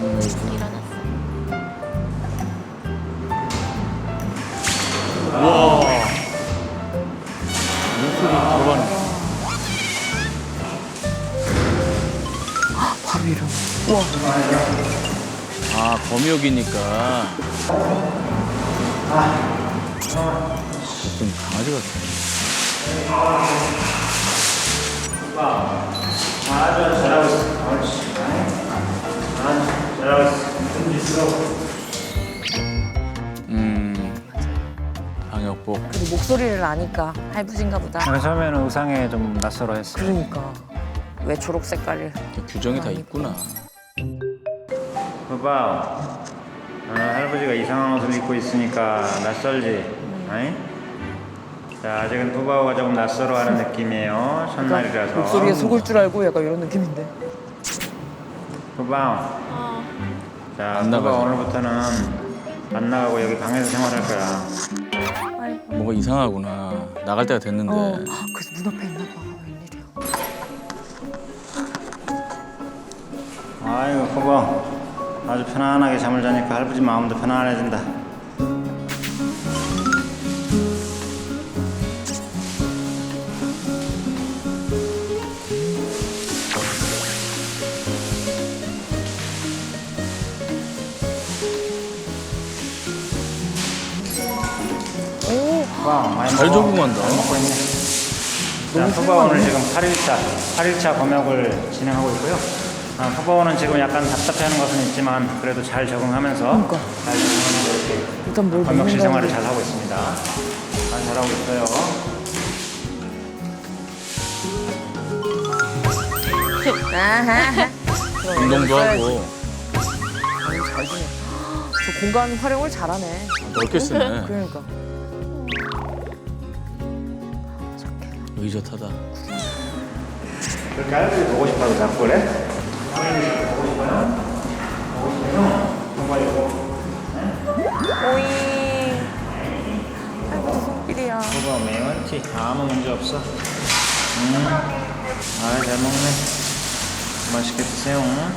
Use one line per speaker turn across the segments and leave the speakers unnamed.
일어났어.
와. 물소리 들어가는 거.
바로 일어나. 우와.
아, 검역이니까. 좀 강아지 같아.
아주 잘하고 있어. 옳지. 아주 잘하고 있어.
방역복.
그리고 목소리를 아니까 할부진가 보다.
처음에는 의상에 좀 낯설어 했어요.
그러니까. 왜 초록 색깔을.
규정이 다 있구나.
오빠, 할아버지가 이상한 옷을 입고 있으니까 낯설지? 어이? 자, 아직은 푸바오가 조금 낯설어하는 느낌이에요. 첫날이라서.
목소리에 속을 줄 알고 약간 이런 느낌인데.
푸바오. 자,
안
푸바오
나가죠.
오늘부터는 안 나가고 여기 방에서 생활할 거야.
뭐가 이상하구나. 나갈 때가 됐는데.
그래서 문 앞에 있나 봐. 웬일이야.
아이고, 푸바오. 아주 편안하게 잠을 자니까 할아버지 마음도 편안해진다. 푸바오, 많이
잘
먹어.
적응한다.
잘 먹고 있네. 자, 푸바오는 지금 8일차 검역을 진행하고 있고요. 푸바오는 지금 약간 답답해하는 것은 있지만 그래도 잘 적응하면서 잘 적응하면서 이렇게
일단 뭘
검역실
먹는다고
생활을
그래.
잘 하고 있습니다. 잘 잘하고 있어요.
운동도 하고.
잘 지내. 저 공간 활용을 잘하네.
넓게 쓰네.
그러니까.
의젓하다.
그렇게 할아버지 보고 싶어서 자꾸 그래?
오잉. 할아버지 손길이야.
그거 매운티 아무 문제 없어. 잘 먹네. 맛있게 드세요.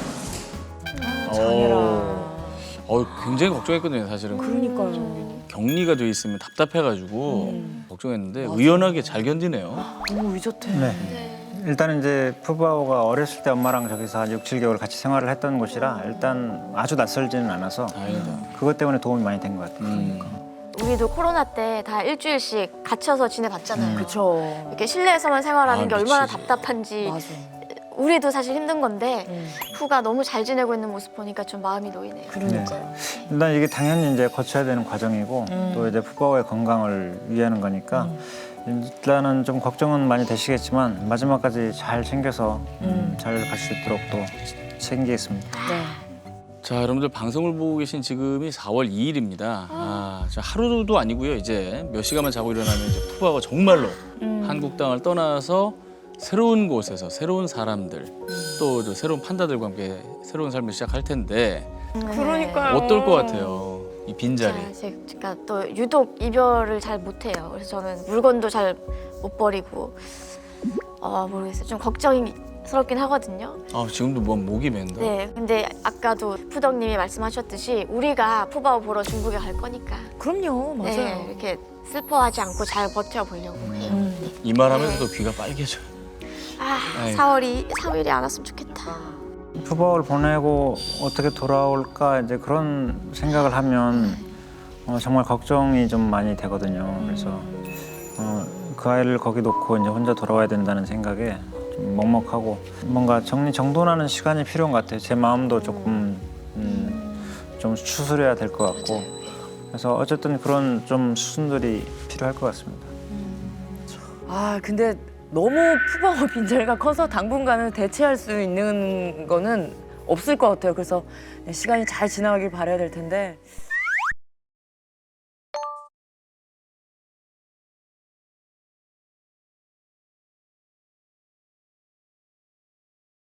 굉장히 걱정했거든요, 사실은.
그러니까요.
격리가 돼 있으면 답답해가지고 걱정했는데 의연하게 잘 견디네요.
너무 의젓해.
네. 일단은 이제 푸바오가 어렸을 때 엄마랑 저기서 한 6, 7개월 같이 생활을 했던 곳이라 일단 아주 낯설지는 않아서
다행이다.
그것 때문에 도움이 많이 된 것 같아요.
우리도 코로나 때 다 일주일씩 갇혀서 지내봤잖아요.
그쵸.
이렇게 실내에서만 생활하는 게 얼마나
미치지.
답답한지
맞아.
우리도 사실 힘든 건데 푸가 너무 잘 지내고 있는 모습 보니까 좀 마음이 놓이네요.
그러니까요.
일단 이게 당연히 이제 거쳐야 되는 과정이고 또 이제 푸바오의 건강을 위하는 거니까 일단은 좀 걱정은 많이 되시겠지만 마지막까지 잘 챙겨서 잘 갈 수 있도록 또 챙기겠습니다.
네.
자, 여러분들 방송을 보고 계신 지금이 4월 2일입니다. 자, 하루도 아니고요. 이제 몇 시간만 자고 일어나면 이제 푸바가 정말로 한국 땅을 떠나서 새로운 곳에서 새로운 사람들 또 새로운 판다들과 함께 새로운 삶을 시작할 텐데
그러니까요.
어떨 것 같아요? 이 빈자리.
제가 또 유독 이별을 잘 못해요. 그래서 저는 물건도 잘 못 버리고 모르겠어요. 좀 걱정스럽긴 하거든요.
지금도 뭐 목이 맨다.
네, 근데 아까도 푸덕님이 말씀하셨듯이 우리가 푸바오 보러 중국에 갈 거니까
그럼요. 맞아요.
네, 이렇게 슬퍼하지 않고 잘 버텨보려고 해요.
이 말하면서도 귀가 빨개져요. 아이고.
4일이 안 왔으면 좋겠다.
푸바오를 보내고 어떻게 돌아올까 이제 그런 생각을 하면 정말 걱정이 좀 많이 되거든요. 그래서 그 아이를 거기 놓고 이제 혼자 돌아와야 된다는 생각에 좀 먹먹하고 뭔가 정돈하는 시간이 필요한 것 같아요. 제 마음도 조금 좀 추스려야 될 것 같고 그래서 어쨌든 그런 좀 수순들이 필요할 것 같습니다.
근데 너무 푸바오 빈자리가 커서 당분간은 대체할 수 있는 거는 없을 것 같아요. 그래서 시간이 잘 지나가길 바라야 될 텐데